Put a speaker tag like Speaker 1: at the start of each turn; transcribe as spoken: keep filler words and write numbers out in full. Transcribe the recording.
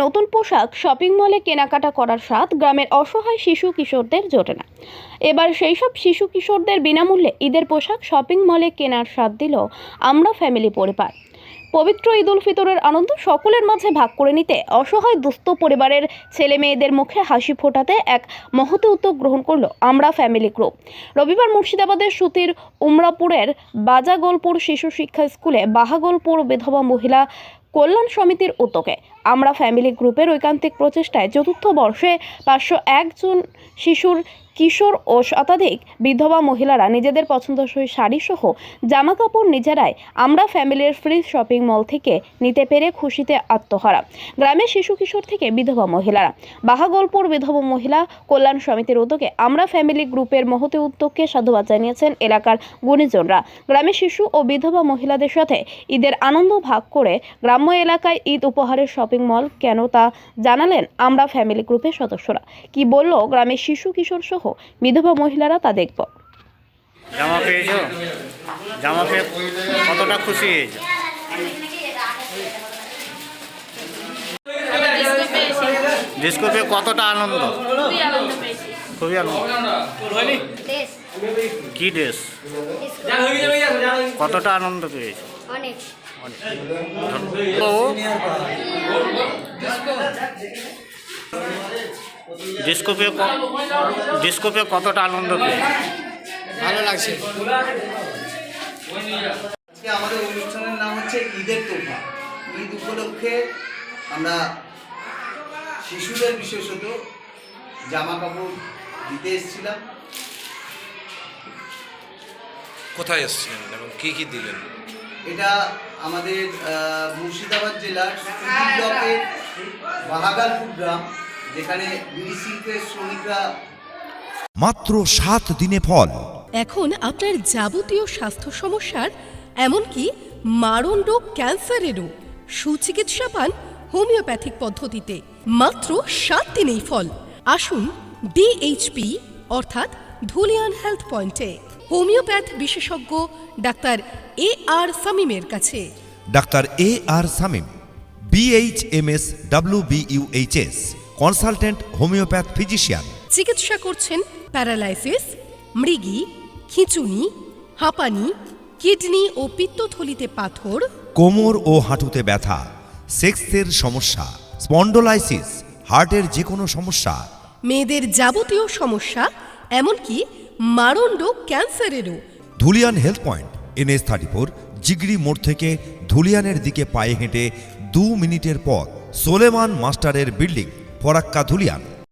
Speaker 1: নতুন পোশাক শপিং মলে কেনাকাটা করার স্বাদ গ্রামের অসহায় শিশু কিশোরদের জোটে না। এবার সেই সব শিশু কিশোরদের বিনামূল্যে ঈদের পোশাক শপিং মলে কেনার স্বাদ দিল আমরা ফ্যামিলি পরিবার। পবিত্র ঈদ উল ফিতরের আনন্দ সকলের মাঝে ভাগ করে নিতে অসহায় দুস্থ পরিবারের ছেলে মেয়েদের মুখে হাসি ফোটাতে এক মহৎ উদ্যোগ গ্রহণ করল আমরা ফ্যামিলি গ্রুপ। রবিবার মুর্শিদাবাদের সুতির উমরাপুরের বাজাগোলপুর শিশু শিক্ষা স্কুলে বাহাগোলপুর বিধবা মহিলা কল্যাণ সমিতির উদ্যোগে আমরা ফ্যামিলি গ্রুপের ঐকান্তিক প্রচেষ্টায় চতুর্থ বর্ষে পাঁচশো একজন শিশুর কিশোর ও শতাধিক বিধবা মহিলারা নিজেদের পছন্দসই শাড়ি সহ জামা কাপড় নিজেরাই আমরা ফ্যামিলির ফ্রি শপিং মল থেকে নিতে পেরে খুশিতে আত্মহারা গ্রামের শিশু কিশোর থেকে বিধবা মহিলারা। বাহাগোলপুর বিধবা মহিলা কল্যাণ সমিতির উদ্যোগে আমরা ফ্যামিলি গ্রুপের মহতি উদ্যোগকে সাধুবাদ জানিয়েছেন এলাকার গুণীজনরা। গ্রামের শিশু ও বিধবা মহিলাদের সাথে ঈদের আনন্দ ভাগ করে গ্রাম্য এলাকায় ঈদ উপহারের শপিং মল কেন তা জানালেন আমরা ফ্যামিলি গ্রুপের সদস্যরা। কি বলল গ্রামের শিশু কিশোর সহ বিধবা মহিলারা তা দেখব।
Speaker 2: জামা পেয়েছো? জামা পেয়ে কতটা খুশি হয়েছো? ডিস্কো পেয়ে কতটা আনন্দ? খুবই আনন্দ। কি ড্রেস? কতটা আনন্দ পেয়েছো?
Speaker 3: অনেক।
Speaker 2: ডিস্কো পেয়ে ডিস্কো পেয়ে কতটা আনন্দ পেয়েছো?
Speaker 4: ভালো লাগছে।
Speaker 5: আজকে আমাদের অনুষ্ঠানের নাম হচ্ছে ঈদের তোফা। ঈদ উপলক্ষে আমরা শিশুদের বিশেষত জামা কাপড় দিতে এসেছিলাম।
Speaker 4: কোথায় এসেছিলেন এবং কি কি দিলেন?
Speaker 5: এটা আমাদের মুর্শিদাবাদ জেলার সুতি ব্লকের বাহাগালপুর গ্রাম, যেখানে বিড়ি শিল্পের শ্রমিকরা।
Speaker 6: মাত্র সাত দিনে ফল।
Speaker 7: এখন আপনার যাবতীয় স্বাস্থ্য সমস্যার এমনকি মারণ রোগ ক্যান্সারেরও সুচিকিৎসা পান হোমিওপ্যাথিক পদ্ধতিতে মাত্র সাত দিনেই ফল। আসুন ডিএইচপি অর্থাৎ ধুলিয়ান হেলথ পয়েন্টে হোমিওপ্যাথ বিশেষজ্ঞ ডাক্তার এ আর সামিমের কাছে।
Speaker 6: Doctor A R Samim BHMS WBUHS consultant homeopath physician.
Speaker 7: চিকিৎসা করছেন প্যারালাইসিস, মৃগী, খিঁচুনি, হাঁপানি, কিডনি ও পিত্তথলিতে পাথর,
Speaker 6: কোমর ও হাঁটুতে ব্যথা, সেক্সের সমস্যা, স্পন্ডোলাইসিস, হার্টের যে কোনো সমস্যা,
Speaker 7: মেয়েদের যাবতীয় সমস্যা এমনকি মারণ রোগ ক্যান্সারেরও।
Speaker 6: Dhulian health point NS thirty four Jigri মোড় থেকে ধুলিয়ানের দিকে পায়ে হেঁটে দু মিনিটের পথ। সোলেমান মাস্টারের বিল্ডিং, ফরাক্কা, ধুলিয়ান।